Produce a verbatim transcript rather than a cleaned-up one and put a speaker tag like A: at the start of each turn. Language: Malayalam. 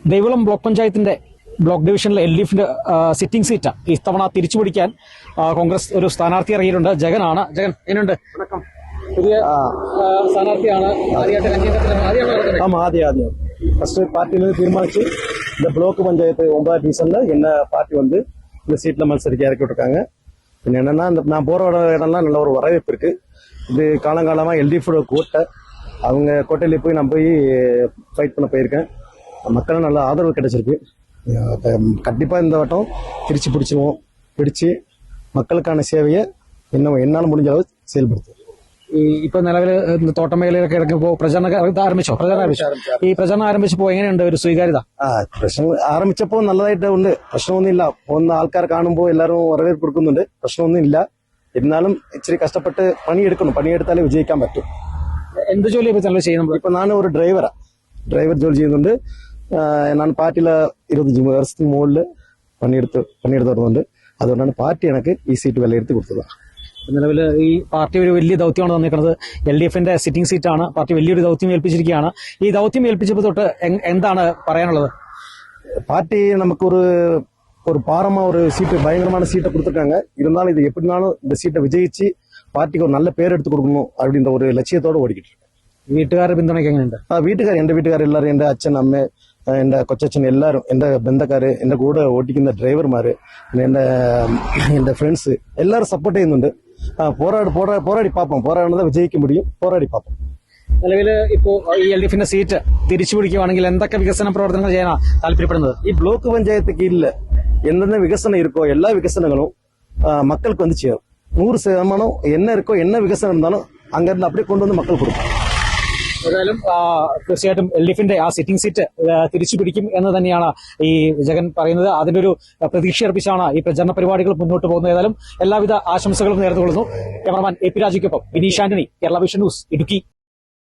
A: ദേവികുളം ബ്ലോക്ക് പഞ്ചായത്തിന്റെ ബ്ലോക്ക് ഡിവിഷനിലെ എൽ ഡി എഫിന്റെ സിറ്റിംഗ് സീറ്റ് ഇത്തവണ തിരിച്ചുപിടിക്കാൻ കോൺഗ്രസ് ഒരു സ്ഥാനാർത്ഥി ഇറങ്ങിയിട്ടുണ്ട്. ജഗനാണ്. ജഗൻ എങ്ങനെയുണ്ട്? പുതിയ സ്ഥാനാർത്ഥിയാണ്.
B: ஆமா ஆதி ஆதி ஃபர்ஸ்ட் பார்ட்டியிலிருந்து தீர்மானிச்சு இந்த பிளாக் பஞ்சாயத்து ஒன்பதாம் டிவிஷன்ல என்ன பார்ட்டி வந்து இந்த சீட்ல மത്സരിக்க இறக்கி விட்டுருக்காங்க. பின்ன என்னன்னா இந்த நான் போற இடம்லாம் நல்ல ஒரு வரவேற்பு இருக்கு. இது காலங்காலமா எல்டிஎஃபோட கோட்டை, அவங்க கோட்டையில போய் நான் போய் ஃபைட் பண்ண போயிருக்கேன். மக்களும் நல்ல ஆதரவு கிடைச்சிருக்கு. கண்டிப்பா இந்த வட்டம் திருச்சி பிடிச்சிருவோம். பிடிச்சு மக்களுக்கான சேவையை இன்னும் என்னால் முடிஞ்ச அளவு செயல்படுத்தும்.
A: ഇപ്പൊ നിലവിൽ തോട്ടം മേഖലയിലൊക്കെ ഇറങ്ങിപ്പോ പ്രചരണം ആരംഭിച്ചോ? പ്രചരണം ആരംഭിച്ചോ? ഈ പ്രചരണം ആരംഭിച്ചപ്പോ എങ്ങനെയുണ്ട് ഒരു സ്വീകാര്യത?
B: ആ പ്രശ്നം ആരംഭിച്ചപ്പോ നല്ലതായിട്ട് ഉണ്ട്. പ്രശ്നമൊന്നുമില്ല. ഒന്ന് ആൾക്കാർ കാണുമ്പോൾ എല്ലാവരും വരവേൽപ്പ് കൊടുക്കുന്നുണ്ട്. പ്രശ്നമൊന്നും ഇല്ല. എന്നാലും ഇച്ചിരി കഷ്ടപ്പെട്ട് പണിയെടുക്കണം. പണിയെടുത്താലേ വിജയിക്കാൻ പറ്റും.
A: എന്ത് ജോലി ചെയ്യുന്നത്?
B: ഇപ്പൊ ഞാൻ ഒരു ഡ്രൈവറാ. ഡ്രൈവർ ജോലി ചെയ്യുന്നുണ്ട്. ഞാൻ പാർട്ടിയില ഇരുപത്തഞ്ച് വർഷത്തിന് മുകളിൽ പണിയെടുത്ത് പണിയെടുത്ത് വരുന്നുണ്ട്. അതുകൊണ്ടാണ് പാർട്ടി എനിക്ക് ഈ സീറ്റ് വിലയിരുത്തി കൊടുത്തത്.
A: നിലവിൽ ഈ പാർട്ടി ഒരു വലിയ ദൗത്യമാണ് തന്നിരിക്കുന്നത്. എൽ ഡി എഫിന്റെ സിറ്റിംഗ് സീറ്റാണ്. പാർട്ടി വലിയൊരു ദൗത്യം ഏൽപ്പിച്ചിരിക്കുകയാണ്. ഈ ദൗത്യം ഏൽപ്പിച്ചപ്പോൾ തൊട്ട് എന്താണ് പറയാനുള്ളത്?
B: പാർട്ടി നമുക്കൊരു ஒரு பாரமா ஒரு சீட்டு பயங்கரமான சீட்டை கொடுத்துருக்காங்க. இருந்தாலும் இது எப்படினாலும் இந்த சீட்டை விஜயிச்சு பார்ட்டிக்கு ஒரு நல்ல பேர் எடுத்து கொடுக்கணும் அப்படின்ற ஒரு லட்சியத்தோடு ஓடிக்கிட்டு இருக்கு.
A: വീട്ടുകാരുടെ പിന്തുണയ്ക്ക് എങ്ങനെയുണ്ട്?
B: ആ വീട്ടുകാർ എൻ്റെ വീട്ടുകാർ എല്ലാവരും, എൻ്റെ അച്ഛൻ, അമ്മ, എൻ്റെ കൊച്ചച്ഛൻ, എല്ലാവരും, എൻ്റെ ബന്ധക്കാർ, എൻ്റെ കൂടെ ഓടിക്കുന്ന ഡ്രൈവർമാർ, എൻ്റെ എൻ്റെ ഫ്രണ്ട്സ് എല്ലാവരും സപ്പോർട്ട് ചെയ്യുന്നുണ്ട്. പോരാടി പോരാ പോരാടി പാപ്പം പോരാടുന്നത് വിജയിക്കാൻ മുടിയും. പോരാടി പാപ്പം.
A: നിലവിൽ ഇപ്പോ ഈ എൽ ഡി എഫിന്റെ സീറ്റ് തിരിച്ചു പിടിക്കുകയാണെങ്കിൽ എന്തൊക്കെ വികസന പ്രവർത്തനങ്ങൾ ചെയ്യാനാണ് താല്പര്യപ്പെടുന്നത്?
B: ഈ ബ്ലോക്ക് പഞ്ചായത്ത് കീഴിൽ എന്തെന്ന വികസനം இருக்கோ എല്ലാ വികസനങ്ങളും மக்களுக்கு வந்து சேரும். நூறு சதமானம் என்ன இருக்கோ என்ன விகசனம் இருந்தாலும் அங்கிருந்து அப்படியே கொண்டு வந்து மக்கள் கொடுക്കും.
A: ഏതായാലും തീർച്ചയായിട്ടും എൽ ഡി എഫിന്റെ ആ സിറ്റിംഗ് സീറ്റ് തിരിച്ചു പിടിക്കും എന്ന് തന്നെയാണ് ഈ ജഗൻ പറയുന്നത്. അതിന്റെ ഒരു പ്രതീക്ഷ അർപ്പിച്ചാണ് ഈ പ്രചരണ പരിപാടികൾ മുന്നോട്ട് പോകുന്നത്. ഏതായാലും എല്ലാവിധ ആശംസകളും നേർന്നുകൊള്ളുന്നു. ക്യാമറമാൻ എ പി രാജയ്ക്കൊപ്പം വിനീഷ് ആന്റണി, കേരള വിഷൻ ന്യൂസ്, ഇടുക്കി.